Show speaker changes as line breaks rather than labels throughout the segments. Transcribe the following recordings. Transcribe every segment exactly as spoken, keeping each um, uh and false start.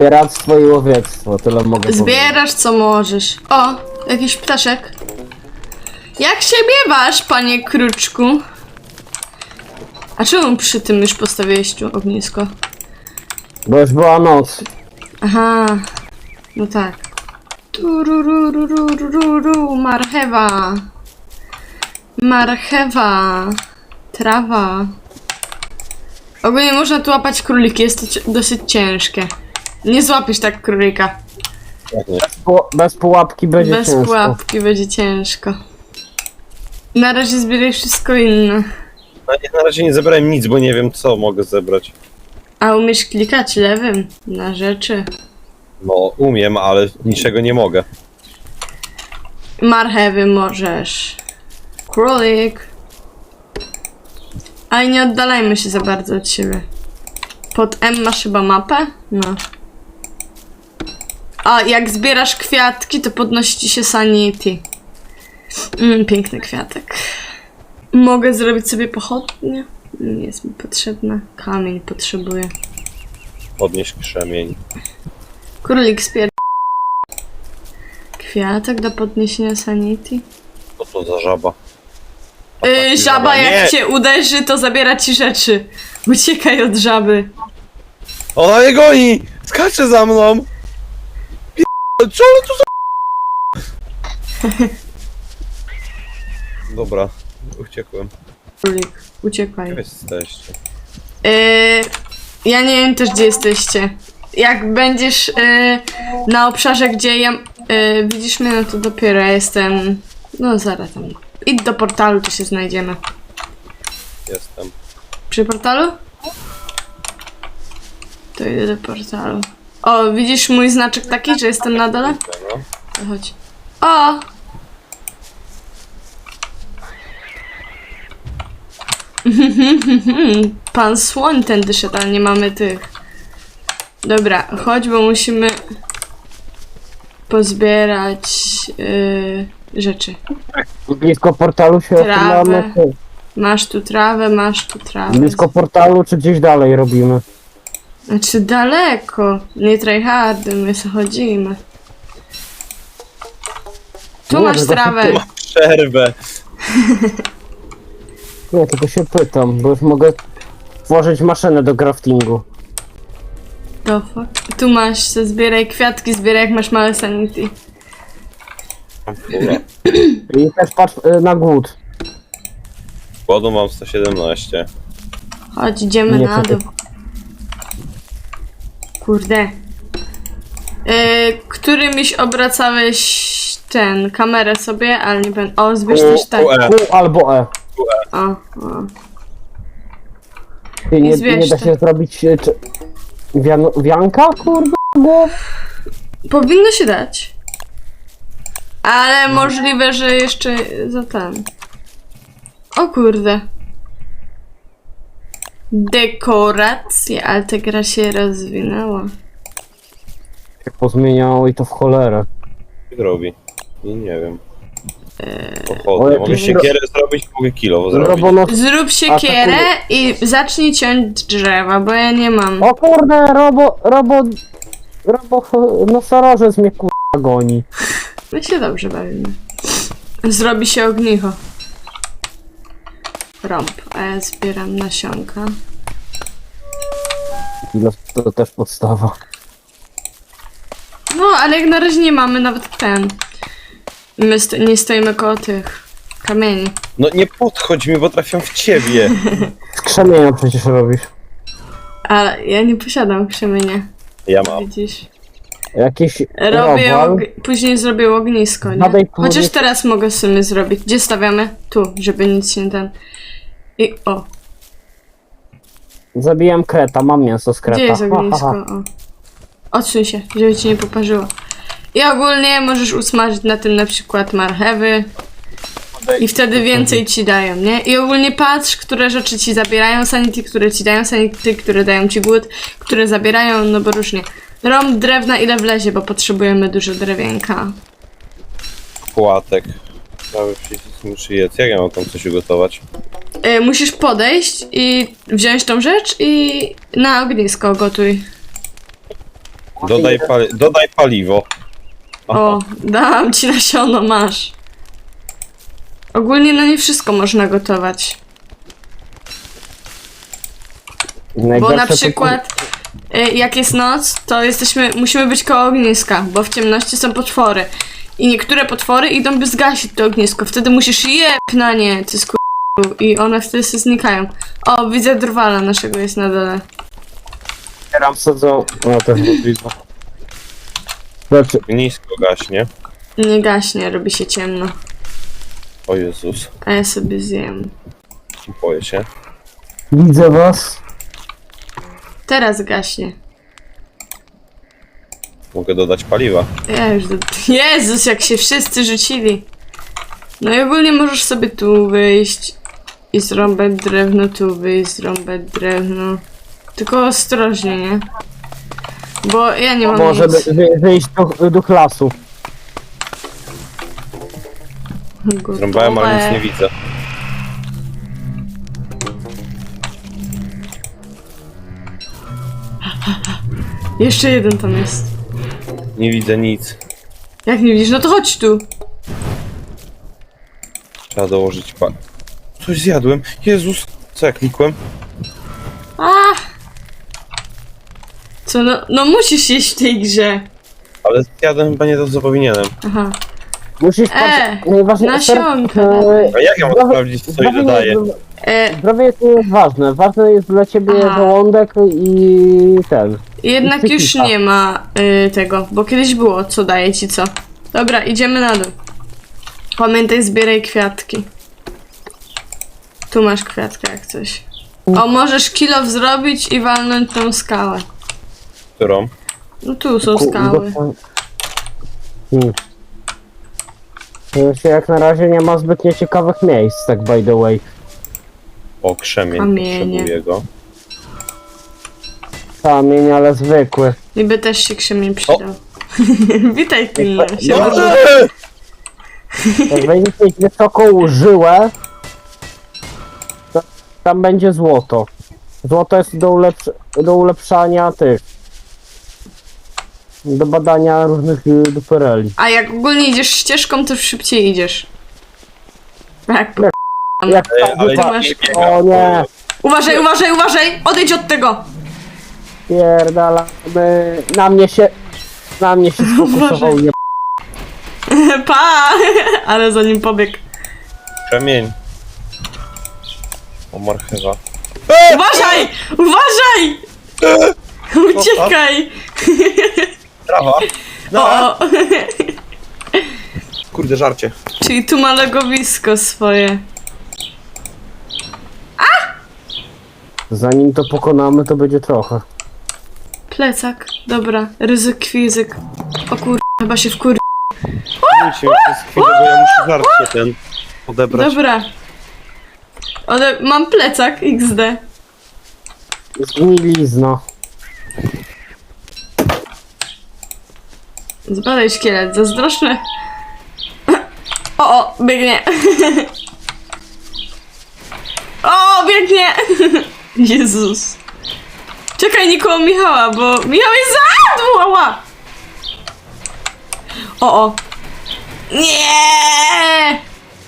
Zbieractwo i łowiectwo, tyle mogę
Zbierasz co możesz. O, jakiś ptaszek. Jak się miewasz, panie kruczku? A czemu przy tym już postawiłeś tu ognisko?
powiedzieć. Bo już była noc.
Aha, no tak. Tururururururu, marchewa. Marchewa. Trawa. Ogólnie można tu łapać króliki, jest to ci- dosyć ciężkie. Nie złapiesz tak królika.
Bez, pu bez pułapki będzie
Bez
ciężko.
pułapki będzie ciężko. Na razie zbieraj wszystko inne.
No, ja na razie nie zebrałem nic, bo nie wiem co mogę zebrać.
A umiesz klikać lewym na rzeczy?
No umiem, ale niczego nie mogę.
Marchewy możesz. Królik. Ale nie oddalajmy się za bardzo od siebie. Pod M masz chyba mapę? No. A jak zbierasz kwiatki, to podnosi ci się sanity. Mm, piękny kwiatek. Mogę zrobić sobie pochodnie? Nie jest mi potrzebna. Kamień potrzebuję.
Podnieść krzemień.
Królik spier... Kwiatek do podniesienia sanity?
Co to za żaba? A
Yy,
taki
żaba jak
nie!
cię uderzy, to zabiera ci rzeczy. Uciekaj od żaby.
Ona mnie goni! Skacze za mną! P***, co ona tu za... Dobra, uciekłem.
Królik, uciekaj.
Gdzie jesteście?
Yy, ja nie wiem też gdzie jesteście. Jak będziesz yy, na obszarze, gdzie ja yy, widzisz mnie, no to dopiero ja jestem. No zaraz tam. Idź do portalu, to się znajdziemy.
Jestem.
Przy portalu? To idę do portalu. O, widzisz mój znaczek taki, że jestem na dole?
No.
To chodź. O! Pan słoń tędy szedł, ale nie mamy tych. Dobra, chodź, bo musimy pozbierać yy, rzeczy.
Blisko portalu się
Trawę.
ochylamy. czy-
Masz tu trawę, masz tu trawę.
Blisko portalu czy gdzieś dalej robimy?
Znaczy daleko. Nie tryhardy, my se chodzimy. Tu
Nie,
masz
tylko
trawę.
się
Mam przerwę.
Nie, tylko się pytam, bo już mogę tworzyć maszynę do craftingu.
To fuck. Tu masz, se zbieraj kwiatki, zbieraj jak masz małe sanity.
Dobra.
I też patrz y, na głód.
Głodu mam sto siedemnaście.
Chodź, idziemy
Nie,
na
czekaj.
dół. Kurde. Yy, którymś obracałeś ten, kamerę sobie, ale nie będę. O, zbierz też tak.
U, E.
Q albo E.
O, o.
Ty, nie,
zbierz
nie da
to.
się zrobić y, czy... Wian wianka, kurde? Bo...
Powinno się dać. Ale możliwe, że jeszcze za ten. O kurde. Dekoracje, ale ta gra się rozwinęła.
się pozmieniało i to w cholerę.
Co robi? Nie, nie wiem.
O,
Pochodnie. Mogę
jakieś
siekierę zrobić, mogę kilowo zrobić.
Robono...
Zrób siekierę i zacznij ciąć drzewa, bo ja nie mam.
O kurde, robo... robo... robo... nosorożec mnie kurwa goni.
My się dobrze bawimy. Zrobi się ognicho. Rąb, a ja zbieram nasionka.
No, to też podstawa.
No, ale jak na razie nie mamy nawet ten. My sto nie stoimy koło tych kamieni.
No nie podchodź mi, bo trafiam w ciebie.
Z krzemienia przecież robisz.
Ale ja nie posiadam krzemienia.
Ja mam.
Widzisz?
Jakiś
Robię
robal.
og- później zrobię ognisko, nie?
Badaj
Chociaż
później-
teraz mogę sobie zrobić. Gdzie stawiamy? Tu, żeby nic się ten. I o,
Zabijam kreta, mam mięso z kreta.
gdzie jest
Ha, ha,
ognisko?
ha.
O. Odsuń się, żeby ci nie poparzyło. I ogólnie możesz usmażyć na tym na przykład marchewy. I wtedy więcej ci dają, nie? I ogólnie patrz, które rzeczy ci zabierają sanity, które ci dają sanity, które dają ci głód, które zabierają, no bo różnie. Rąb drewna ile wlezie, bo potrzebujemy dużo drewienka.
Płatek. Prawie przycisk muszę jedz. Jak ja mam tam coś ugotować?
Y, musisz podejść i wziąć tą rzecz i na ognisko gotuj.
Dodaj, pali dodaj paliwo.
O, dam ci nasiono, masz. Ogólnie no nie wszystko można gotować. Bo
Najgorsze
na
to-
przykład y, jak jest noc, to jesteśmy, musimy być koło ogniska, bo w ciemności są potwory. I niektóre potwory idą by zgasić to ognisko. Wtedy musisz jeb na nie, ty sku... I one wtedy się znikają. O, widzę drwala naszego jest na dole.
Otwieram sadzą. No też widzę. Znaczy,
Nisko gaśnie.
Nie gaśnie, robi się ciemno.
O Jezus.
A ja sobie zjem.
Boję się.
widzę was.
Teraz gaśnie.
Mogę dodać paliwa.
Ja już do... Jezus, jak się wszyscy rzucili. No i ogólnie możesz sobie tu wyjść i zrąbać drewno, tu wyjść, zrąbać drewno. Tylko ostrożnie, nie? Bo ja nie mam
Może
nic.
wy, wy, wyjść do, do klasu.
Gotowe.
Zrąbałem, ale nic nie widzę.
Jeszcze jeden tam jest.
Nie widzę nic.
Jak nie widzisz, no to chodź tu.
Trzeba dołożyć pan. Coś zjadłem. Jezus. Co ja klikłem?
A! Co, no, no musisz jeść w tej grze.
Ale zjadłem chyba nie to, co powinienem.
Aha.
Musisz
E,
patrzeć. Najważniejsze.
nasionka.
e,
A jak ja mam
zdrowie-
sprawdzić, co
zdrowie
ile
nie
daje?
jest-
E,
Zdrowie jest nie jest ważne. Ważne jest dla ciebie
Aha.
żołądek i ten.
jednak już
psychika.
nie ma y, tego, bo kiedyś było, co daje ci co. Dobra, idziemy na dół. Pamiętaj, zbieraj kwiatki. Tu masz kwiatkę jak coś. O, możesz kilof zrobić i walnąć tą skałę.
Którą?
No tu są
Ku-
skały.
do- Hmm. To się jak na razie nie ma zbytnio ciekawych miejsc, tak by the way.
O, krzemień.
Kamienie.
Potrzebuję go.
Kamień, ale zwykły.
Niby też się krzemień przydał. Witaj pilno.
No,
Się
no, Jak będziesz mieć wysoką żyłę, to tam będzie złoto. Złoto jest do, ulepsz do ulepszania tych. Do badania różnych y, dupereli.
A jak ogólnie idziesz ścieżką, to szybciej idziesz. Tak.
Jak
Ej,
tam
ale
Ty
wypa-
masz-
nie biega.
O nie!
Uważaj, uważaj, uważaj! Odejdź od tego!
Pierdalamy. Na mnie się. Na mnie się sfokusował. Nie.
Pa! Ale za nim pobiegł.
Krzemień. O, marchewa.
Uważaj! Uważaj! Uciekaj!
Trawa. No.
O,
Kurde, żarcie.
czyli tu ma legowisko swoje.
Zanim to pokonamy, to będzie trochę.
Plecak. Dobra. Ryzyk, kwizyk. O kur... chyba się wkur...
Pójdźcie mi przez chwilę, bo ja muszę żarcie ten odebrać.
Dobra. Ale mam plecak iks de.
Zgnilizna.
Zbadaj szkielet, zazdroszny. O, o, biegnie. O, biegnie. Jezus. Czekaj, nie koło Michała, bo Michał jest za... Ała. O, o. Nie.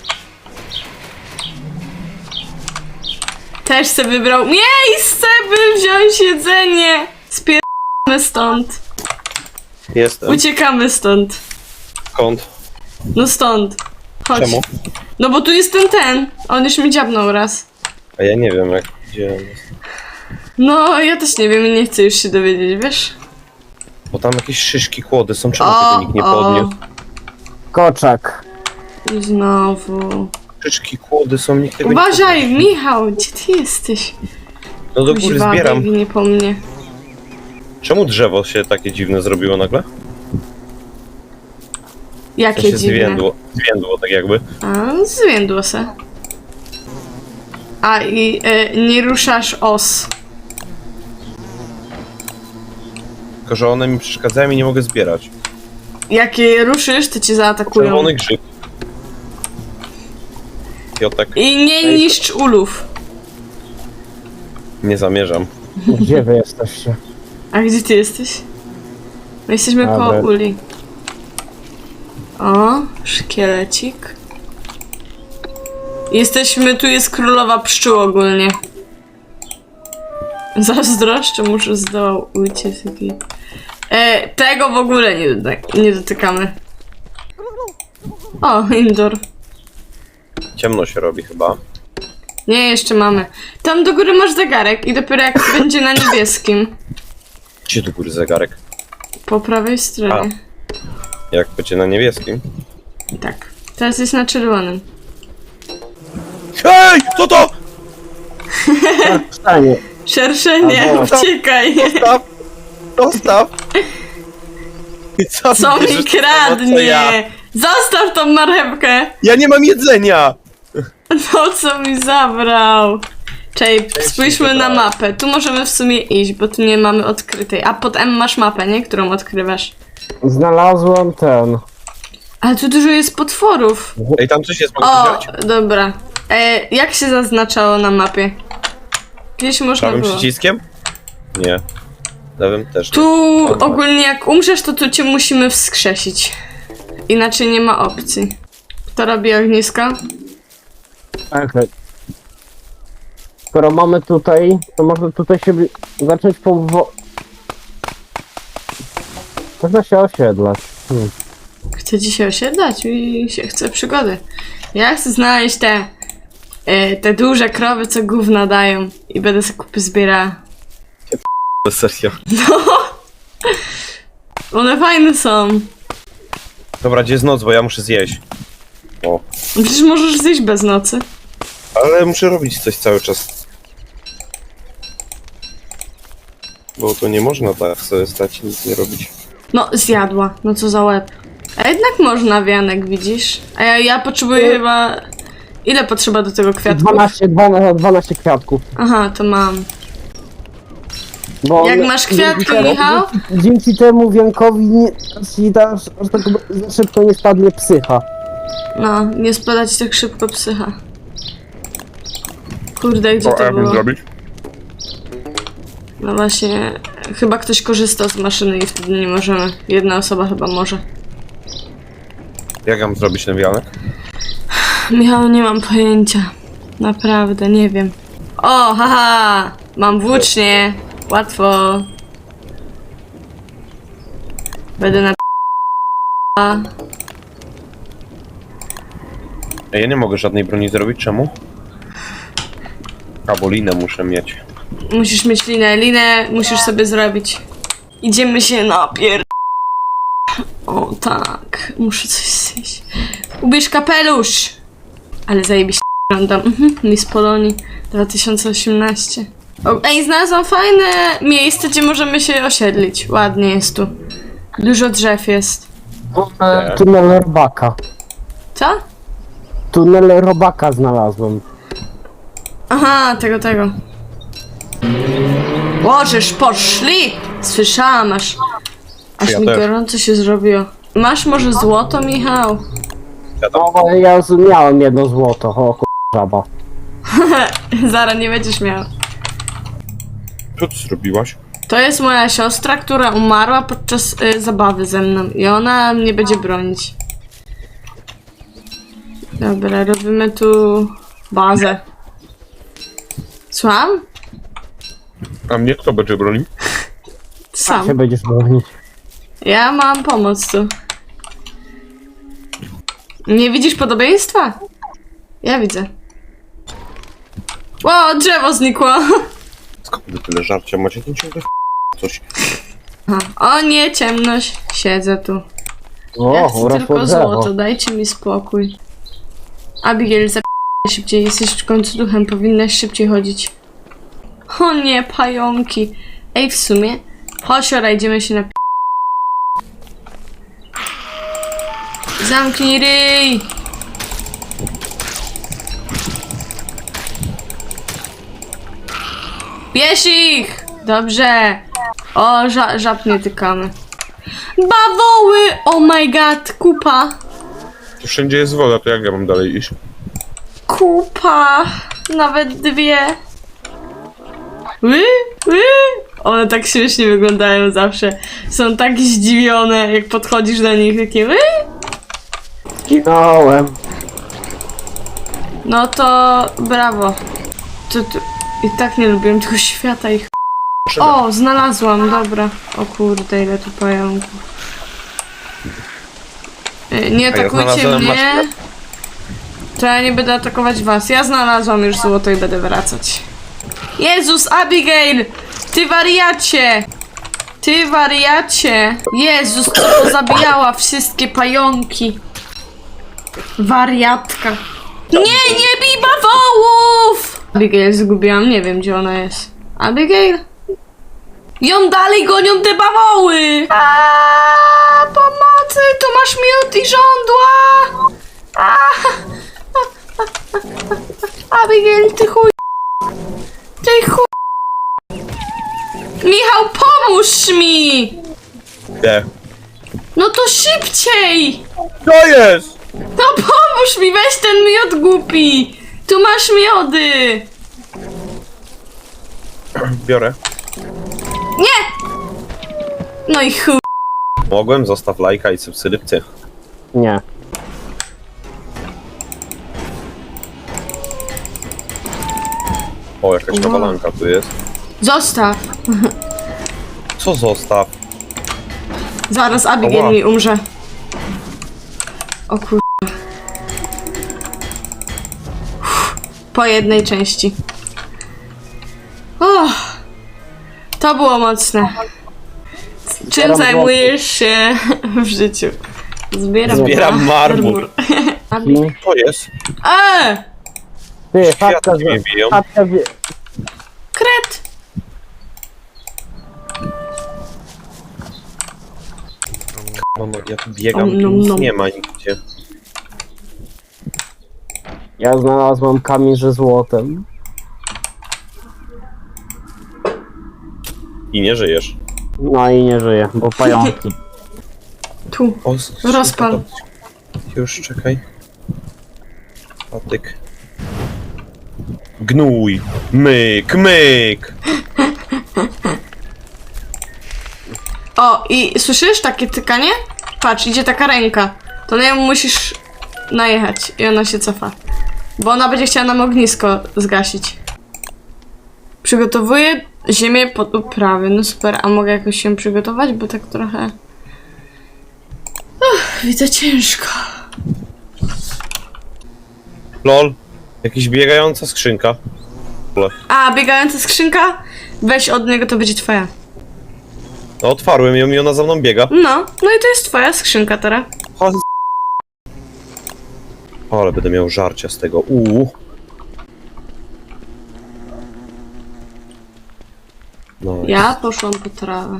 Też se wybrał miejsce, by wziąć jedzenie. Spierdamy stąd.
Jestem.
Uciekamy stąd.
Skąd?
No stąd. Chodź.
Czemu?
No bo tu jest ten ten. On już mi dziabnął raz.
A ja nie wiem, jak gdzie on jest.
No, ja też nie wiem i nie chcę już się dowiedzieć, wiesz?
Bo tam jakieś szyszki, kłody są, czemu tego nikt nie podniósł?
Koczek.
I znowu.
Szyszki, kłody są, nikt tego
Uważaj,
nie podniósł.
Michał, gdzie ty jesteś?
No do góry
Kuźwa,
zbieram.
biegnie po mnie.
Czemu drzewo się takie dziwne zrobiło nagle? To
Jakie
się
dziwne.
zwiędło, zwiędło tak jakby.
A, zwiędło se. A, i e, nie ruszasz os.
Tylko, że one mi przeszkadzają i nie mogę zbierać.
Jak je ruszysz, to cię zaatakują.
Czerwony grzyb. Piotek,
I nie niszcz ulów.
nie zamierzam.
Gdzie wy jesteście?
A gdzie ty jesteś? My jesteśmy
Dobra.
koło uli. O, szkielecik. Jesteśmy, tu jest królowa pszczół ogólnie. Zazdroszczę, muszę zdołał uciec. E, tego w ogóle nie, doty- nie dotykamy. O, indoor.
Ciemno się robi chyba.
Nie, jeszcze mamy. Tam do góry masz zegarek i dopiero jak będzie na niebieskim.
Gdzie do góry zegarek?
Po prawej stronie.
Jak będzie na niebieskim?
Tak. Teraz jest na czerwonym.
Hej! Co to?
Stanie.
Szerszenie,
Albo-
uciekaj!
Dostaw! Dostaw! I co
Co
bierzesz
mi
to samo, co ja?
kradnie? Zostaw tą marchewkę!
Ja nie mam jedzenia!
No co mi zabrał? Czej, spójrzmy na
zabrałem.
mapę. Tu możemy w sumie iść, bo tu nie mamy odkrytej. A pod M masz mapę, nie? Którą odkrywasz.
Znalazłem ten.
Ale tu dużo jest potworów.
Ej, tam coś jest, mogę
O,
to wziąć?
dobra. E, jak się zaznaczało na mapie? Gdzieś można
Prawym
było.
przyciskiem? Nie. Lewym też nie.
Tu ogólnie jak umrzesz, to tu cię musimy wskrzesić. Inaczej nie ma opcji. Kto robi ognisko?
Okej. Skoro mamy tutaj, to można tutaj się zacząć powo... Można się osiedlać. Hmm.
Chcę dzisiaj osiedlać i się chce przygody. Ja chcę znaleźć te, e, te duże krowy, co gówna dają i będę sobie kupy zbierała.
Serio.
One fajne są.
Dobra, gdzie jest noc, bo ja muszę zjeść. O.
Przecież możesz zjeść bez nocy.
Ale muszę robić coś cały czas. Bo to nie można tak sobie stać i nic nie robić.
No, zjadła. No co za łeb. A jednak można, wianek, widzisz? A ja, ja potrzebuję chyba... Ile potrzeba do tego kwiatku?
dwanaście, dwanaście, dwanaście kwiatków.
Aha, to mam.
Bo
Jak
one-
masz kwiatki,
dzięki-
Michał?
Dzięki, dzięki temu wiankowi nie, aż, aż, aż tak za szybko nie spadnie psycha.
No, nie spadać tak szybko psycha. Kurde, gdzie to było? No właśnie, chyba ktoś korzysta z maszyny i wtedy nie możemy. Jedna osoba chyba może.
Jak mam zrobić ten wianek?
Michał, nie mam pojęcia. Naprawdę, nie wiem. O, haha! Mam włócznie. Łatwo. Będę na...
Ej, ja nie mogę żadnej broni zrobić, czemu? A, bo linę muszę mieć.
Musisz mieć linę. Linę musisz sobie zrobić. Idziemy się napier... O tak, muszę coś zjeść. Ubierz kapelusz! Ale zajebiście wyglądam. Mhm, Miss Polonii dwa tysiące osiemnaście. O, ej, znalazłam fajne miejsce, gdzie możemy się osiedlić. Ładnie jest tu. Dużo drzew jest.
E, Tunel robaka.
Co?
Tunel robaka znalazłem.
Aha, tego, tego. Łożesz, poszli! Słyszałam, aż... Aż
Ja
mi
też.
gorąco się zrobiło. Masz może złoto, Michał?
Ja tam...
No, ja z- miałem jedno złoto, o kur... żaba.
Zara, nie będziesz miał.
Co ty zrobiłaś?
To jest moja siostra, która umarła podczas y, zabawy ze mną i ona mnie będzie bronić. Dobra, robimy tu bazę. Słucham?
A mnie kto będzie bronił?
Sam.
Się będziesz bronić.
Ja mam pomoc tu. Nie widzisz podobieństwa? Ja widzę. Ło, drzewo znikło.
Skąd wy tyle żarcia macie? To ciągle coś.
Aha. O nie, ciemność. Siedzę tu.
O,
Ja chcę
urosło
tylko
drzewo.
złoto, dajcie mi spokój. Abigail, zap... szybciej, jesteś w końcu duchem, powinnaś szybciej chodzić. O nie, pająki. Ej, w sumie, chodź, ora, idziemy się na... Zamknij ryj! Bierz ich! Dobrze. O, ża żab nie tykamy. Bawoły! Oh my god, kupa!
Tu wszędzie jest woda, to jak ja mam dalej iść?
Kupa! Nawet dwie. Ły, ły. One tak śmiesznie wyglądają zawsze. Są tak zdziwione, jak podchodzisz do nich, takie wy?
Zginąłem.
No to brawo. To, to, I tak nie lubiłem tego świata ich. O, znalazłam, dobra. O kurde, ile tu pająków. E, Nie
A ja
atakujcie
znalazłem
mnie.
maszynę.
To ja nie będę atakować was. Ja znalazłam już złoto i będę wracać. Jezus, Abigail! Ty wariacie! Ty wariacie! Jezus, co pozabijała wszystkie pająki. Wariatka. Nie, nie bij bawołów! Abigail zgubiłam, nie wiem gdzie ona jest. Abigail? Ją dalej gonią te bawoły! Aaaa, pomocy! Tu masz miód i żądła! Aaaa! Abigail, ty chuj! Ty chuj! Michał, pomóż mi!
Nie.
No to szybciej!
Co jest?
No pomóż mi, weź ten miód głupi! Tu masz miody!
Biorę.
Nie! No i chuj.
Mogłem, zostaw lajka i subskrypcję.
Nie.
O, jakaś kawalanka tu jest.
Zostaw.
Co zostaw?
Zaraz Abigail
Ała.
mi umrze. O kur... Po jednej części. O, to było mocne. Czym
Zbieram
zajmujesz się w życiu? Zbieram,
Zbieram marmur.
I...
Co jest?
E!
Ty,
Światło
chatka,
mnie biją.
chatka, wie-
Kret!
Mamo, ja tu biegam,
Om,
tu
nom,
nic
nom.
nie ma nigdzie.
Ja znalazłam kamień ze złotem.
I nie żyjesz.
No i nie żyję, bo pająki.
Tu.
O, skrzynka
Rozpal.
to- Już, czekaj. Patyk. Gnój. Myk, myk.
O, i słyszysz takie tykanie? Patrz, idzie taka ręka. To na nią musisz najechać i ona się cofa. Bo ona będzie chciała nam ognisko zgasić. Przygotowuję ziemię pod uprawy. No super, a mogę jakoś się przygotować? Bo tak trochę... Uff, widzę ciężko.
Lol. Jakiś biegająca skrzynka. Lol.
A, biegająca skrzynka? Weź od niego, to będzie twoja.
No otwarłem ją i ona za mną biega.
No, no i to jest twoja skrzynka teraz.
O, z- O, ale będę miał żarcia z tego. Uuu. No.
Ja poszłam po trawę.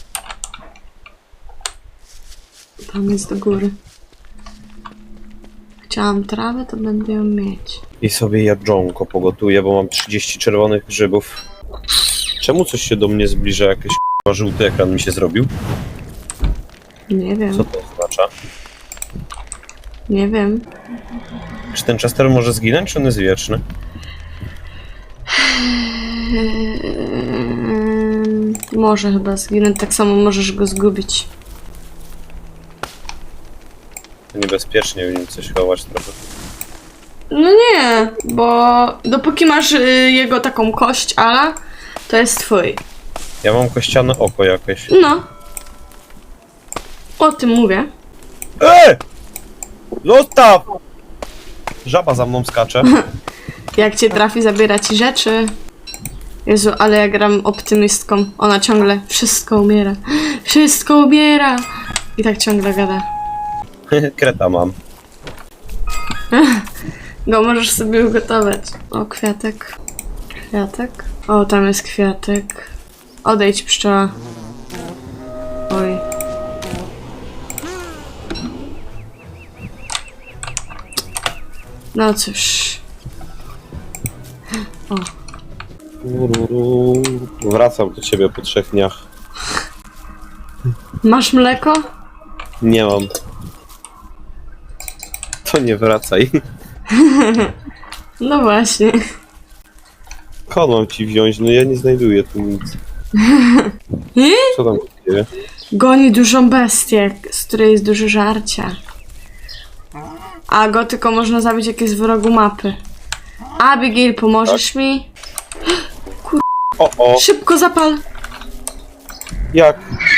Tam jest do góry. Chciałam trawę, to będę ją mieć.
I sobie jadżonko pogotuję, bo mam trzydzieści czerwonych grzybów. Czemu coś się do mnie zbliża? Jakiś k***a żółty ekran mi się zrobił?
Nie wiem,
Co to oznacza?
nie wiem.
Czy ten Chester może zginąć, czy on jest wieczny?
Eee, może chyba zginąć, tak samo możesz go zgubić.
To niebezpiecznie w nim coś chować trochę.
No nie, bo dopóki masz y, jego taką kość ala, to jest twój.
Ja mam kościane oko jakieś.
No. O tym mówię.
E! Zostaw! Żaba za mną skacze.
Jak cię trafi, zabiera ci rzeczy. Jezu, ale ja gram optymistką. Ona ciągle wszystko umiera. Wszystko umiera! I tak ciągle gada.
Kreta mam.
Go możesz sobie ugotować. O, kwiatek. Kwiatek. O, tam jest kwiatek. Odejdź, pszczoła. Oj. No cóż. O.
Ururu. Wracam do ciebie po trzech dniach.
Masz mleko?
Nie mam. To nie wracaj.
No właśnie.
Skąd mam ci wziąć? No ja nie znajduję tu nic.
I?
Co tam się dzieje?
Goni dużą bestię, z której jest dużo żarcia. A go tylko można zabić, jak jest w rogu mapy. Abigail, pomożesz mi?
O, o,
Szybko zapal!
jak?